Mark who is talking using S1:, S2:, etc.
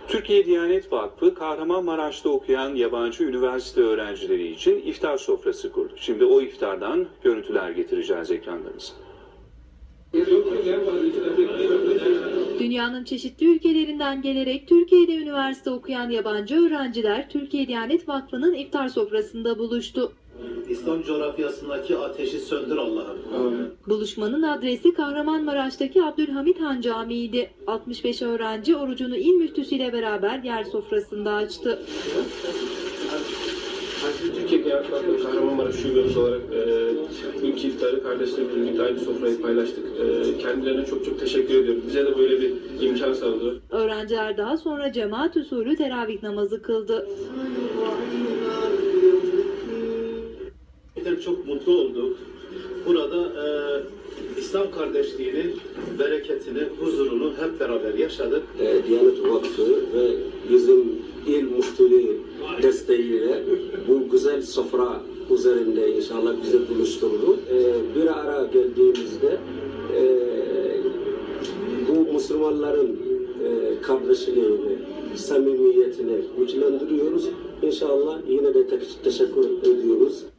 S1: Türkiye Diyanet Vakfı, Kahramanmaraş'ta okuyan yabancı üniversite öğrencileri için iftar sofrası kurdu. Şimdi o iftardan görüntüler getireceğiz ekranlarınıza.
S2: Dünyanın çeşitli ülkelerinden gelerek Türkiye'de üniversite okuyan yabancı öğrenciler Türkiye Diyanet Vakfı'nın iftar sofrasında buluştu.
S3: İslam coğrafyasındaki ateşi söndür Allah'ım.
S2: Buluşmanın adresi Kahramanmaraş'taki Abdülhamit Han Camii'ydi. 65 öğrenci orucunu il müftüsüyle beraber yer sofrasında açtı.
S4: Türkiye Diyanet Vakfı Kahramanmaraş Şubemiz olarak ilk iftarı kardeşlerimizle birlikte aynı sofrayı paylaştık. Kendilerine çok teşekkür ediyorum. Bize de böyle bir imkan sağladılar.
S2: Öğrenciler daha sonra cemaat usulü teravih namazı kıldı.
S3: Çok mutlu olduk. Burada İslam kardeşliğini, bereketini, huzurunu hep beraber yaşadık.
S5: Diyanet Vakfı ve bizim il müftülüğü desteğiyle bu güzel sofra üzerinde inşallah bizi buluşturdu. Bir ara geldiğimizde bu Müslümanların kardeşliğini, samimiyetini güçlendiriyoruz. İnşallah yine de teşekkür ediyoruz.